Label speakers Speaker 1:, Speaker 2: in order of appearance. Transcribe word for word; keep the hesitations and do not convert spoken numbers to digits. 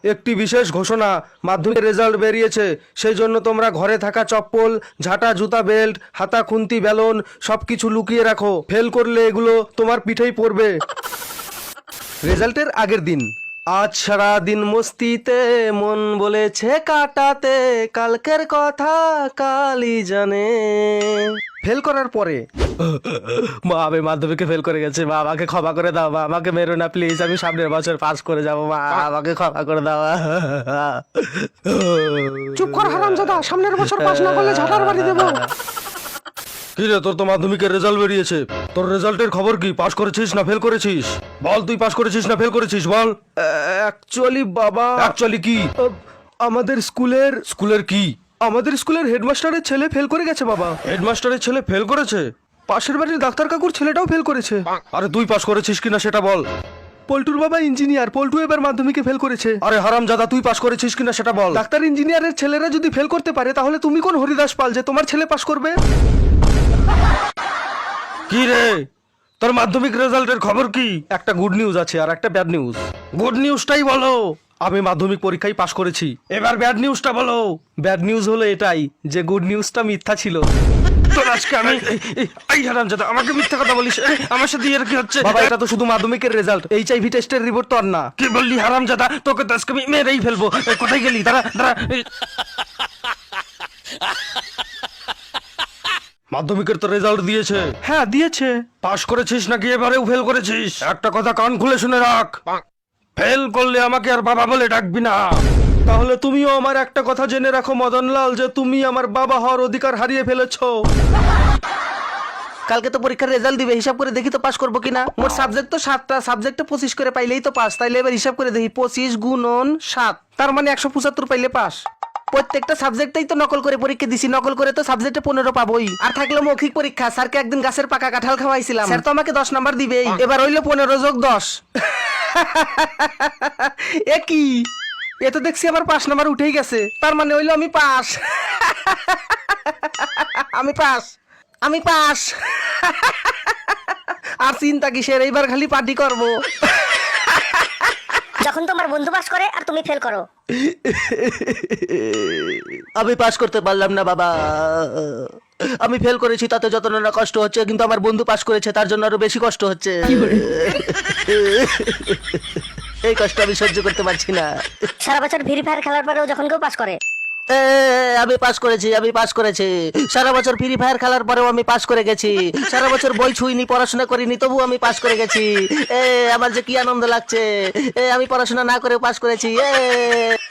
Speaker 1: একটি বিশেষ ঘোষণা, মাধ্যমিকের রেজাল্ট বেরিয়েছে, সেই জন্য তোমরা ঘরে থাকা চপ্পল, ঝাঁটা, জুতা, বেল্ট, হাতা, খুন্তি, বেলন সব কিছু লুকিয়ে রাখো। ফেল করলে এগুলো তোমার পিঠেই পড়বে। রেজাল্টের আগের দিন। আজ সারা দিন মস্তিতে মন বলেছে কাটাতে, কালকের কথা কালই জানে। ফেল করার পরে মা, আমি মাধ্যমিকে ফেল করে গেছে, মা আমাকে ক্ষমা করে দাও, মা আমাকে মেরো না প্লিজ, আমি সামনের বছর পাস করে যাবো, মা আমাকে ক্ষমা করে দাও।
Speaker 2: চুপ কর হারামজাদা, সামনের বছর পাস না করলে ঝাঁটার বাড়ি দেবো।
Speaker 1: কি রে, তোর তো মাধ্যমিকের রেজাল্ট বেরিয়েছে, তোর রেজাল্টের খবর কি? পাস করেছিস না ফেল করেছিস? বল, তুই পাস করেছিস না ফেল করেছিস, বল। অ্যাকচুয়ালি বাবা, অ্যাকচুয়ালি কি? আমাদের স্কুলের স্কুলের কি আমাদের স্কুলের হেডমাস্টারের ছেলে ফেল করে গেছে বাবা। হেডমাস্টারের ছেলে ফেল করেছে? পাশের বাড়ির ডাক্তার কাকুর ছেলেটাও ফেল করেছে। আরে তুই পাস করেছিস কিনা সেটা বল। পল্টুর বাবা ইঞ্জিনিয়ার, পল্টু এবার মাধ্যমিকে ফেল করেছে। আরে হারামজাদা, তুই পাস করেছিস কিনা সেটা বল। ডাক্তার ইঞ্জিনিয়ারের ছেলেরা যদি ফেল করতে পারে, তাহলে তুমি কোন হরিদাস পাল যে তোমার ছেলে পাস করবে? কি রে, তোর মাধ্যমিক রেজাল্টের খবর কি? একটা গুড নিউজ আছে আর একটা ব্যাড নিউজ। গুড নিউজটাই বলো। আমি মাধ্যমিক পরীক্ষায় পাশ করেছি। এবার ব্যাড নিউজটা বলো। ব্যাড নিউজ হলো এটাই যে গুড নিউজটা মিথ্যা ছিল। তোর আজকে আমি এই হারামজাদা, আমাকে মিথ্যা কথা বলিস, আমার সাথে এর কি হচ্ছে? বাবা, এটা তো শুধু মাধ্যমিকের রেজাল্ট, এইচআইভি টেস্টের রিপোর্ট তো আর না। কি বললি হারামজাদা? তোকে তো আজকে আমি মেরেই ফেলবো। কোথায় গেলি? দাঁড়া দাঁড়া। মাধ্যমিকের তো রেজাল্ট দিয়েছে।
Speaker 2: হ্যাঁ দিয়েছে।
Speaker 1: পাস করেছিস নাকি এবারেও ফেল করেছিস? একটা কথা কান খুলে শুনে রাখ, ফেল করলে আমাকে আর বাবা বলে ডাকবি না। তাহলে তুমিও আমার একটা কথা জেনে রাখো মদনলাল, যে তুমি আমার বাবা হওয়ার অধিকার হারিয়ে ফেলেছো।
Speaker 3: কালকে তো পরীক্ষার রেজাল্ট দিবে, হিসাব করে দেখি তো পাস করবো কিনা। মোট সাবজেক্ট তো সাতটা, সাবজেক্টে পঁচিশ করে পাইলেই তো পাস। তাইলে এবার হিসাব করে দেখি, পঁচিশ গুণন সাত, তার মানে একশো পঁচাত্তর পাইলে পাস। প্রত্যেকটা সাবজেক্টেই তো নকল করে পরীক্ষা দিছি, নকল করে তো সাবজেক্টে পনেরো পাবোই। আর থাকলো মৌখিক পরীক্ষা, স্যারকে একদিন গাছের পাকা কাঁঠাল খাওয়াইছিলাম, স্যার তো আমাকে দশ নাম্বার দিবেই। এবার হইলো পনেরো যোগ দশ। এ কি, এ তো দেখছি আমার পাঁচ নাম্বার উঠেই গেছে, তার মানে হইলো আমি পাস। আমি পাস, আমি পাস। আর চিন্তা কিসের, এইবার খালি পার্টি করবো।
Speaker 4: যখন তোমার বন্ধু পাস করে আর তুমি ফেল করো।
Speaker 3: আমি পাস করতে পারলাম না বাবা, আমি ফেল করেছি, তাতে যত না কষ্ট হচ্ছে, কিন্তু আমার বন্ধু পাস করেছে, তার জন্য আরো বেশি কষ্ট হচ্ছে। এই কষ্ট আমি সহ্য করতে পারছি না।
Speaker 4: সারা বছর ফ্রি ফায়ার খেলার পরেও যখন কেউ পাস করে।
Speaker 3: এ, আমি পাস করেছি, আমি পাস করেছি। সারা বছর ফ্রি ফায়ার খেলার পরেও আমি পাস করে গেছি। সারা বছর বই ছুঁইনি, পড়াশোনা করিনি, তবু আমি পাস করে গেছি। এ আমার যে কি আনন্দ লাগছে, এ আমি পড়াশোনা না করে পাস করেছি। এ